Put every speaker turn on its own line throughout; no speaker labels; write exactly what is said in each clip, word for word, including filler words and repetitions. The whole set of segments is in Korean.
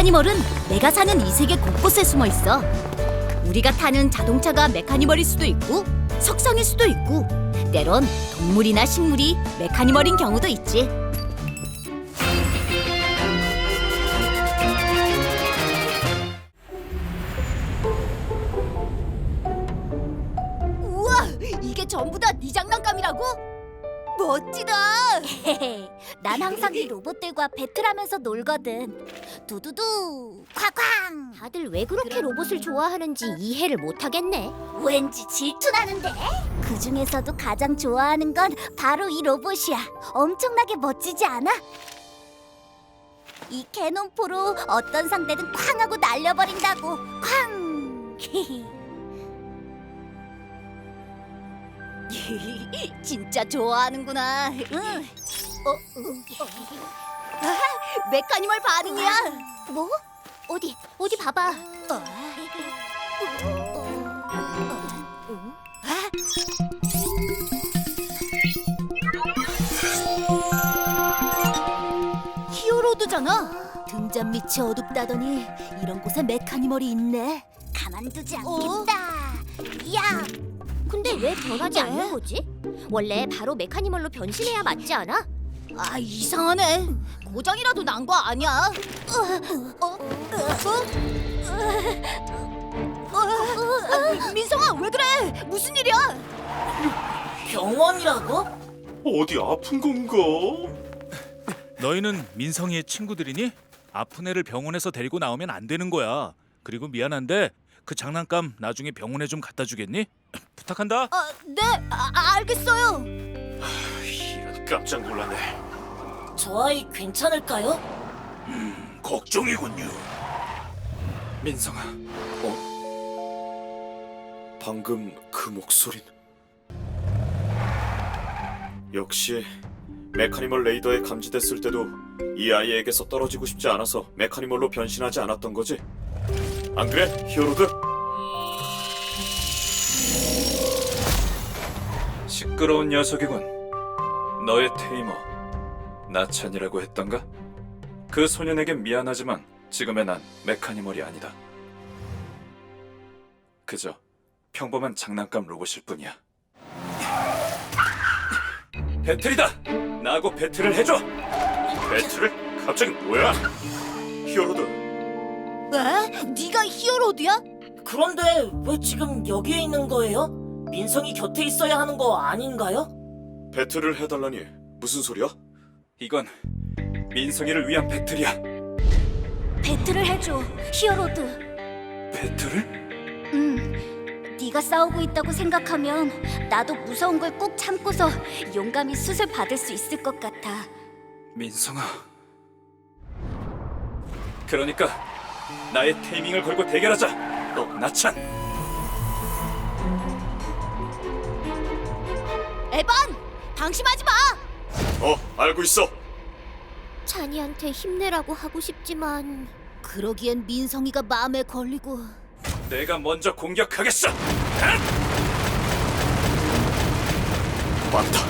메카니멀은 내가 사는 이 세계 곳곳에 숨어 있어. 우리가 타는 자동차가 메카니멀일 수도 있고 석상일 수도 있고 때론 동물이나 식물이 메카니멀인 경우도 있지. 우와! 이게 전부 다 네 장난감이라고? 멋지다!
난 항상 이 로봇들과 배틀하면서 놀거든. 두두두, 쾅쾅. 다들 왜 그렇게 로봇을 좋아하는지 이해를 못하겠네. 왠지 질투나는데? 그 중에서도 가장 좋아하는 건 바로 이 로봇이야. 엄청나게 멋지지 않아? 이 캐논포로 어떤 상대든 쾅 하고 날려버린다고. 쾅!
진짜 좋아하는구나.
응.
어, 어. 아, 메카니멀 반응이야.
뭐? 어디? 어디 봐봐.
히어로드잖아. 등잔 밑이 어둡다더니 이런 곳에 메카니멀이 있네.
가만두지
어?
않겠다. 야! 근데 왜 변하지
왜?
않는 거지? 원래 바로 메카니멀로 변신해야 맞지 않아?
아, 이상하네. 고장이라도 난 거 아니야? 어? 어? 어? 아, 민성아, 왜 그래? 무슨 일이야?
병원이라고?
어디 아픈 건가?
너희는 민성이의 친구들이니? 아픈 애를 병원에서 데리고 나오면 안 되는 거야. 그리고 미안한데 그 장난감 나중에 병원에 좀 갖다 주겠니? 부탁한다.
아, 네, 아, 알겠어요.
이런 깜짝 놀랐네.
저 아이 괜찮을까요?
걱정이군요. 민성아, 어? 방금 그 목소린 역시 메카니멀 레이더에 감지됐을 때도 이 아이에게서 떨어지고 싶지 않아서 메카니멀로 변신하지 않았던 거지? 안 그래, 히어로드?
시끄러운 녀석이군. 너의 테이머 나찬이라고 했던가? 그 소년에겐 미안하지만 지금의 난 메카니멀이 아니다. 그저 평범한 장난감 로봇일 뿐이야. 배틀이다! 나하고 배틀을 해줘!
배틀을? 갑자기 뭐야? 히어로드,
왜? 네가 히어로드야?
그런데 왜 지금 여기에 있는 거예요? 민성이 곁에 있어야 하는 거 아닌가요?
배틀을 해달라니 무슨 소리야?
이건 민성이를 위한 배틀이야.
배틀을 해줘, 히어로드.
배틀을?
응. 네가 싸우고 있다고 생각하면 나도 무서운 걸 꾹 참고서 용감히 수술 받을 수 있을 것 같아.
민성아. 그러니까 나의 테이밍을 걸고 대결하자. 너 나찬.
에반, 방심하지 마.
어, 알고 있어.
찬이한테 힘내라고 하고 싶지만
그러기엔 민성이가 마음에 걸리고.
내가 먼저 공격하겠어.
맞다.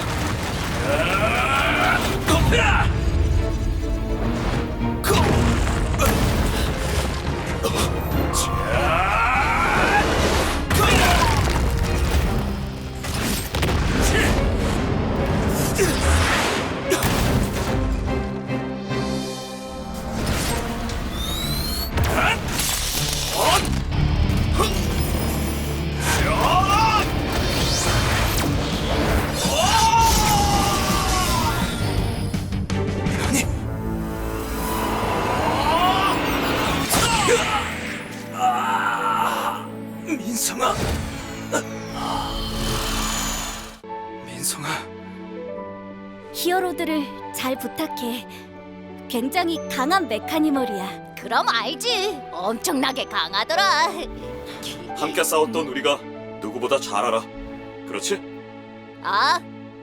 민성아. 민성아.
히어로드를 잘 부탁해. 굉장히 강한 메카니멀이야.
그럼 알지. 엄청나게 강하더라.
함께 싸웠던 우리가 누구보다 잘 알아. 그렇지?
아.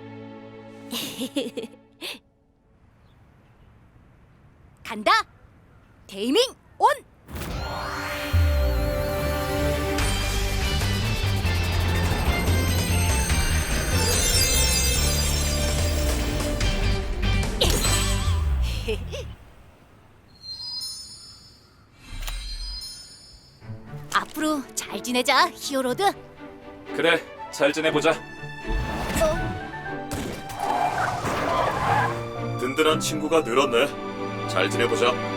간다. 테이밍 온. 앞으로 잘 지내자, 히어로드.
그래, 잘 지내보자.
든든한 친구가 늘었네. 잘 지내보자.